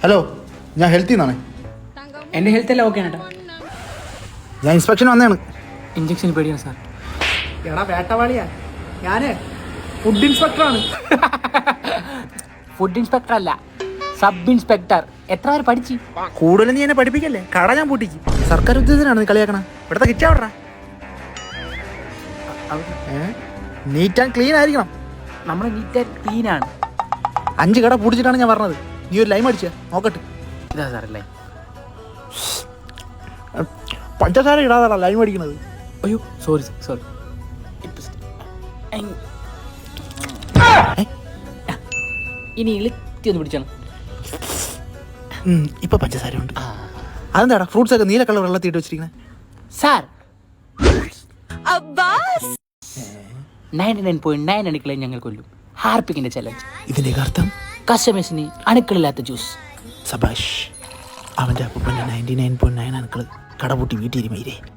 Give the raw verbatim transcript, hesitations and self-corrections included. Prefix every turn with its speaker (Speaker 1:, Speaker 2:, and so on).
Speaker 1: Hello, ഞാൻ ഹെൽത്തിൽ നിന്നാണ്.
Speaker 2: എൻ്റെ ഹെൽത്ത് എല്ലാം ഓക്കെ ആണ് കേട്ടോ.
Speaker 1: ഞാൻ ഇൻസ്പെക്ഷൻ വന്നതാണ്.
Speaker 2: ഇഞ്ചക്ഷൻ പേടിയാണ് സാർ.
Speaker 3: എടാ വേട്ടവാളിയാ, ഞാന് ഫുഡ് ഇൻസ്പെക്ടറാണ്.
Speaker 2: ഫുഡ് ഇൻസ്പെക്ടർ അല്ല, സബ് ഇൻസ്പെക്ടർ. എത്ര പേര് പഠിച്ചു?
Speaker 1: കൂടുതൽ നീ എന്നെ പഠിപ്പിക്കല്ലേ, കട ഞാൻ പൂട്ടിക്കും. സർക്കാർ ഉദ്യോഗസ്ഥനാണ് നീ കളിയാക്കണ. ഇവിടുത്തെ കിച്ചാ വിടറാ. നീറ്റ് ആൻഡ് ക്ലീൻ ആയിരിക്കണം.
Speaker 2: നമ്മൾ നീറ്റ് ആൻഡ് ക്ലീൻ ആണ്.
Speaker 1: അഞ്ച് കട പൂട്ടിച്ചിട്ടാണ് ഞാൻ പറഞ്ഞത്. നീ ഒരു ലൈം അടിച്ച നോക്കട്ടെ.
Speaker 2: ഇതാ സാറല്ലേ.
Speaker 1: പഞ്ചസാര ഇടാതാ ലൈം അടിക്കണത്.
Speaker 2: അയ്യോ സോറി സോറി. ഇനി ഇളുത്തി ഒന്ന് പിടിച്ചാണ്.
Speaker 1: ഇപ്പൊ പഞ്ചസാര ഉണ്ട്. അതെന്താടാ ഫ്രൂട്ട്സ് ഒക്കെ നീല കളർ വെള്ളത്തിട്ട് വെച്ചിരിക്കുന്നത്?
Speaker 2: Sir ninety nine point nine അണുക്കളെ ഞങ്ങൾ കൊല്ലും. ഹാർപ്പിക്കിന്റെ ചലഞ്ച്.
Speaker 1: ഇതിന്റെ അർത്ഥം
Speaker 2: കസ്റ്റമേഴ്സിന് അണുക്കളില്ലാത്ത ജ്യൂസ്.
Speaker 1: സബാഷ്. അവന്റെ അപ്പൂപ്പന്റെ നയൻറ്റി നയൻ പോയിന്റ് നയൻ അണുക്കള് കടപൂട്ടി വീട്ടിൽ മൈരേ.